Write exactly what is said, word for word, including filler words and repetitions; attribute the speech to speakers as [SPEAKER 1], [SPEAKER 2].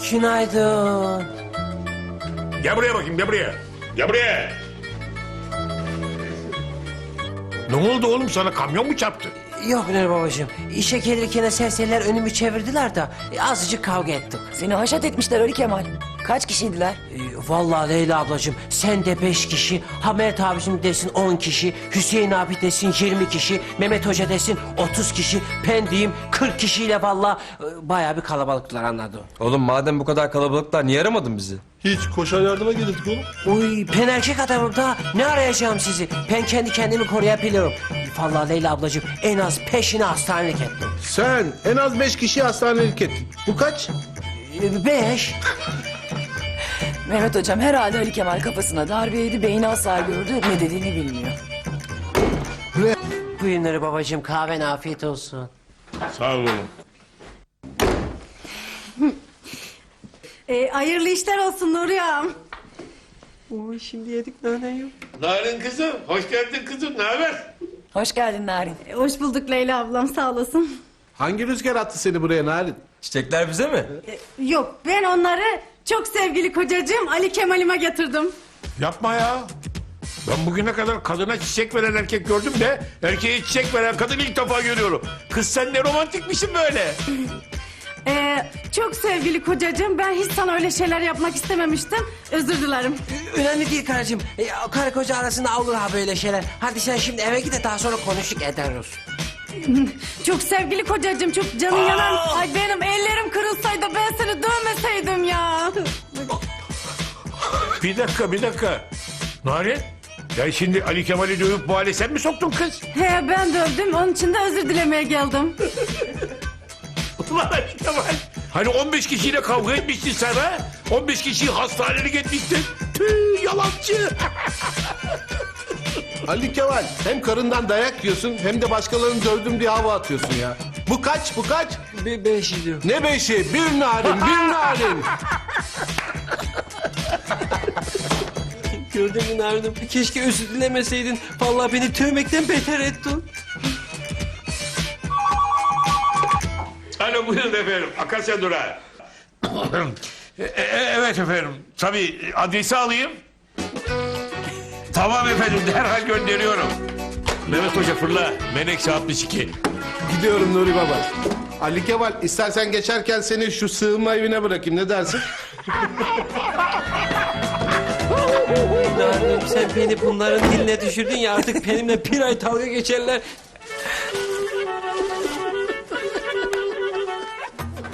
[SPEAKER 1] Günaydın.
[SPEAKER 2] Gel buraya bakayım, gel buraya. Gel buraya. Ne oldu oğlum, sana kamyon mu çarptı?
[SPEAKER 1] Yok Nuri babacığım. İşe gelirken serseriler önümü çevirdiler de e, azıcık kavga ettik.
[SPEAKER 3] Seni haşat etmişler Ali Kemal. Kaç kişiydiler?
[SPEAKER 1] E, vallahi Leyla ablacığım sen de beş kişi, Hamet abicim desin on kişi, Hüseyin abi desin yirmi kişi, Mehmet Hoca desin otuz kişi, ben diyeyim kırk kişiyle vallahi e, bayağı bir kalabalıklar anladım.
[SPEAKER 4] Oğlum madem bu kadar kalabalıklar niye aramadın bizi?
[SPEAKER 5] Hiç koşar yardıma gelirdik oğlum.
[SPEAKER 1] Uy ben erkek adamım da ne arayacağım sizi? Ben kendi kendimi koruyabiliyorum. Vallahi Leyla ablacığım en az peşine hastanelik ettim.
[SPEAKER 5] Sen en az beş kişiyi hastanelik ettin. Bu kaç?
[SPEAKER 1] E, beş.
[SPEAKER 3] Mehmet hocam herhalde Ali Kemal kafasına darbe yedi, beyni hasar gördü, ne dediğini bilmiyor.
[SPEAKER 1] Buyurun Nuri babacığım kahven afiyet olsun.
[SPEAKER 2] Sağ ol oğlum.
[SPEAKER 6] E, hayırlı işler olsun Nuriyam.
[SPEAKER 1] Oy şimdi yedik nane yok.
[SPEAKER 2] Narin kızım, hoş geldin kızım, ne haber?
[SPEAKER 3] Hoş geldin Narin.
[SPEAKER 6] E, hoş bulduk Leyla ablam, sağ olasın.
[SPEAKER 5] Hangi rüzgar attı seni buraya Narin?
[SPEAKER 4] Çiçekler bize mi?
[SPEAKER 6] E, yok, ben onları çok sevgili kocacığım Ali Kemal'ime getirdim.
[SPEAKER 2] Yapma ya. Ben bugüne kadar kadına çiçek veren erkek gördüm de erkeğe çiçek veren kadın ilk defa görüyorum. Kız sen ne romantikmişsin böyle.
[SPEAKER 6] E, çok sevgili kocacığım, ben hiç sana öyle şeyler yapmak istememiştim. Özür dilerim.
[SPEAKER 1] Önemli değil karıcığım. E, karı koca arasında olur ha böyle şeyler. Hadi sen şimdi eve git de daha sonra konuştuk ederiz.
[SPEAKER 6] Çok sevgili kocacığım, çok canın yanan. Ay benim ellerim kırılsaydı ben seni dövmeseydim ya.
[SPEAKER 2] Bir dakika, bir dakika. Narin, ya şimdi Ali Kemal'i dövüp bu hale sen mi soktun kız?
[SPEAKER 6] He ben dövdüm, onun için de özür dilemeye geldim.
[SPEAKER 2] Ulan Ali Kemal. Hani on beş kişiyle kavga etmiştin sen ha? on beş kişiyi hastanelik etmiştin. Tüh, yalancı.
[SPEAKER 5] Ali Kemal hem karından dayak yiyorsun hem de başkalarını dövdüm diye hava atıyorsun ya. Bu kaç bu kaç?
[SPEAKER 1] Be beş diyor.
[SPEAKER 5] Ne beşi? Bir Narin bir Narin.
[SPEAKER 1] Gördün mü Narin'im? Keşke özür dilemeseydin. Vallahi beni tövmekten beter ettin.
[SPEAKER 2] Alo buyurun efendim. Akasya Durağı. E, e, evet efendim. Tabii adresi alayım. Tamam efendim derhal gönderiyorum. Mehmet Hoca fırla. Menekşe altmış iki.
[SPEAKER 5] Gidiyorum Nuri Baba. Ali Kemal istersen geçerken seni şu sığınma evine bırakayım, ne dersin?
[SPEAKER 1] Narin'im sen beni bunların diline düşürdün ya artık benimle bir ay dalga geçerler.